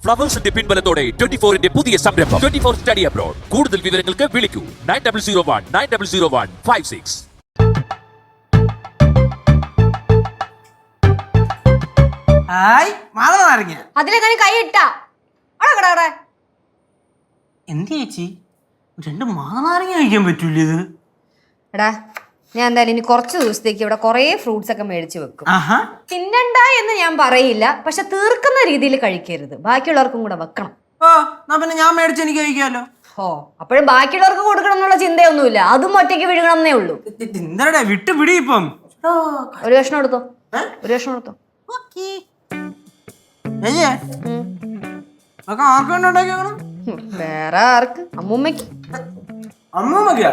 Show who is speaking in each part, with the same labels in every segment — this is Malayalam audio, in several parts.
Speaker 1: ഫ്ലവേഴ്സിന്റെ പിൻബലത്തോടെ 24-ന്റെ പുതിയ സംരംഭം 24 സ്റ്റഡി അബ്രോഡ്. കൂടുതൽ വിവരങ്ങൾക്ക് വിളിക്കൂ 9001900156.
Speaker 2: അതിലെങ്ങനെ കൈ ഇട്ടാ
Speaker 3: എന്ത് ചേച്ചി 2 മാങ്ങാനാരങ്ങ കഴിക്കാൻ പറ്റൂല ഇത്?
Speaker 2: എടാ ഞാൻ എന്തായാലും ഇനി കുറച്ച് ദിവസത്തേക്ക് ഇവിടെ കുറേ ഫ്രൂട്ട്സ് ഒക്കെ മേടിച്ചു വെക്കും. തിന്നണ്ട എന്ന് ഞാൻ പറയില്ല, പക്ഷെ തീർക്കുന്ന രീതിയിൽ കഴിക്കരുത്, ബാക്കിയുള്ളവർക്കും കൂടെ വെക്കണം.
Speaker 3: പിന്നെ ഞാൻ മേടിച്ച് എനിക്ക് കഴിക്കാലോ.
Speaker 2: അപ്പോഴും ബാക്കിയുള്ളവർക്ക് കൊടുക്കണം എന്നുള്ള ചിന്തയൊന്നുമില്ല, അതും ഒറ്റയ്ക്ക് വിഴുകണം എന്നേ ഉള്ളൂ.
Speaker 3: എന്താ വിട്ടുപിടി ഇപ്പം.
Speaker 2: ഒരു കഷ്ണം എടുത്തോ, ഒരു കഷ്ണം എടുത്തോ. വേറെ ആർക്ക്? അമ്മൂമ്മക്ക്.
Speaker 3: അമ്മൂമ്മക്കാ?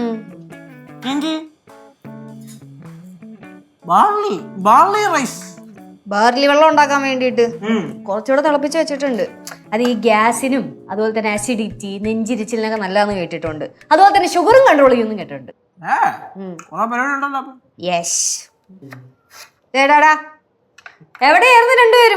Speaker 2: ബാർലി വെള്ളം ഉണ്ടാക്കാൻ വേണ്ടിട്ട് കുറച്ചുകൂടെ തിളപ്പിച്ച് വെച്ചിട്ടുണ്ട്. അത് ഈ ഗ്യാസിനും അതുപോലെ തന്നെ അസിഡിറ്റി, നെഞ്ചിരിച്ചിലിനൊക്കെ നല്ലതാന്ന് കേട്ടിട്ടുണ്ട്. അതുപോലെ തന്നെ ഷുഗറും കൺട്രോൾ ചെയ്യുന്നു കേട്ടിട്ടുണ്ട്. യെസ്. എവിടെയായിരുന്നു രണ്ടുപേരും?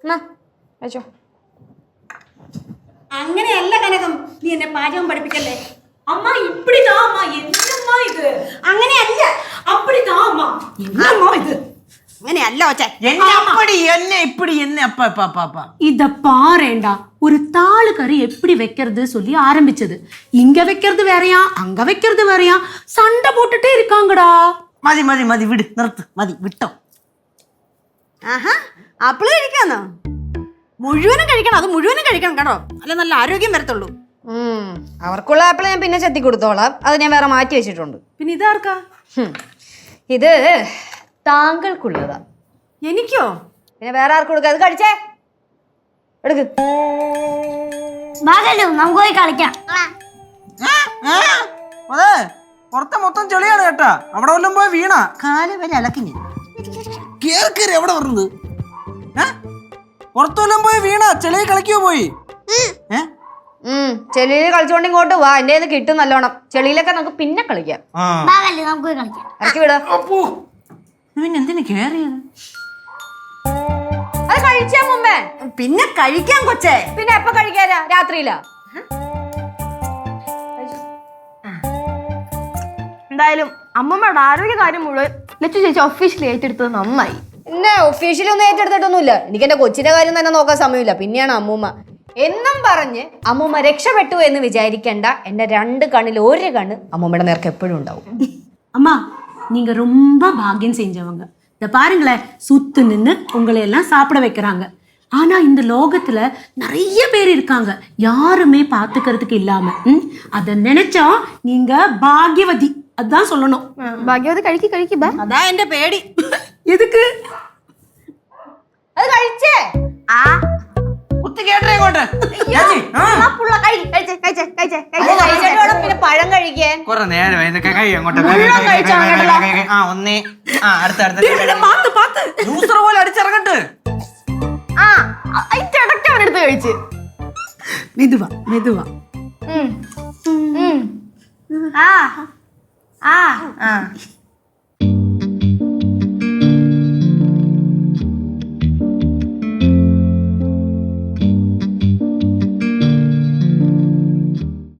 Speaker 4: അങ്ങനെയല്ല കനകം, നീ എന്നെ പാചകം പഠിപ്പിക്കല്ലേ. അമ്മ ഇപ്പിടിതാ അമ്മ, എന്നമ്മാ ഇത്? അങ്ങനെയല്ല, അപ്പിടിതാ അമ്മ, എന്നമ്മാ ഇത്? അങ്ങനെയല്ല ഒച്ചേ.
Speaker 5: இத பாருடா, ஒரு தாளு கறி எப்படி வைக்கிறது சொல்லி ஆரம்பிச்சது. இங்க வைக்கிறது வேறயா, அங்க வைக்கிறது வேறயா, சண்டை போட்டுட்டே இருக்காங்கடா.
Speaker 3: മതി മതി മതി, വിട്, നിർത്ത്, മതി, വിട്ടോ.
Speaker 4: ആപ്പിള് കഴിക്കാന്നോ? മുഴുവനും കഴിക്കണം, അത് മുഴുവനും കഴിക്കണം കേട്ടോ, അല്ല നല്ല ആരോഗ്യം വരത്തുള്ളൂ.
Speaker 2: അവർക്കുള്ള ആപ്പിൾ ഞാൻ പിന്നെ ചെത്തി കൊടുത്തോളാം, അത് ഞാൻ വേറെ മാറ്റി വെച്ചിട്ടുണ്ട്.
Speaker 4: പിന്നെ ഇതാർക്കാ?
Speaker 2: ഇത് താങ്കൾക്കുള്ളതാ.
Speaker 4: എനിക്കോ?
Speaker 2: പിന്നെ വേറെ ആർക്ക് കൊടുക്കുക? അത് കഴിച്ചേ, എടുക്ക്.
Speaker 4: നമുക്ക് പോയി കളിക്കാം.
Speaker 3: അതെ, പുറത്തെ മൊത്തം ചെളിയാണ് കേട്ടാ, അവിടെ വല്ലതും പോയി വീണ കാല് വരെ അലക്കിഞ്ഞ് കേറി എവിടെ പറഞ്ഞത്? പുറത്തു വല്ലതും പോയി വീണ ചെളി കളിക്കോ പോയി?
Speaker 2: ചെളിയിൽ കളിച്ചോണ്ട് ഇങ്ങോട്ട് വാ, എന്റെ കയ്യിൽ കിട്ടും നല്ലോണം. ചെളിയിലൊക്കെ നമുക്ക് പിന്നെ കളിക്കാം. ഇറക്കി വിടാ.
Speaker 3: പിന്നെ എന്തിനു കേറിയത്?
Speaker 2: അത് കഴിച്ചാ മുമ്പേ.
Speaker 4: പിന്നെ കഴിക്കാൻ കൊച്ചേ.
Speaker 2: പിന്നെ എപ്പ കഴിക്കാനാ? രാത്രിയിലാ.
Speaker 4: എന്തായാലും അമ്മമ്മയുടെ ആരോഗ്യകാര്യം മുഴുവൻ ലച്ചു ചേച്ചി ഒഫീഷ്യലി ഏറ്റെടുത്തത് നന്നായി.
Speaker 2: എന്നെ ഒഫീഷ്യലി ഒന്നും ഏറ്റെടുത്തിട്ടൊന്നുമില്ല, എനിക്ക് എന്റെ കൊച്ചിന്റെ കാര്യം തന്നെ നോക്കാൻ സമയമില്ല, പിന്നെയാണ് അമ്മൂമ്മ എന്നും പറഞ്ഞ് അമ്മൂമ്മ രക്ഷപ്പെട്ടു എന്ന് വിചാരിക്കണ്ട. എന്റെ 2 കണ്ണിൽ 1 കണ്ണ് അമ്മൂമ്മയുടെ നേർക്ക് എപ്പോഴും ഉണ്ടാവും.
Speaker 5: அம்மா, நீங்க ரொம்ப பாக்கியம் செஞ்சவங்க. இத பாருங்களேன், சுத்து நின்று உங்களை எல்லாம் சாப்பிட வைக்கிறாங்க. ஆனா இந்த லோகத்துல நிறைய பேர் இருக்காங்க, யாருமே பாத்துக்கிறதுக்கு இல்லாம. அத நினைச்சா நீங்க பாக்யவதி, அதான் சொல்லணும்.
Speaker 4: ഭാഗ്യവതി കഴിക്ക് അതാ എന്റെ പേടി.
Speaker 5: எதுக்கு?
Speaker 2: അത് കഴിച്ചേ. പിന്നെ പഴം കഴിക്കാൻ
Speaker 3: കുറെ നേരം പോലെ അടിച്ചിറങ്ങട്ട്.
Speaker 4: അവനെടുത്ത് കഴിച്ച്.
Speaker 5: மெதுவா மெதுவா.
Speaker 4: ആ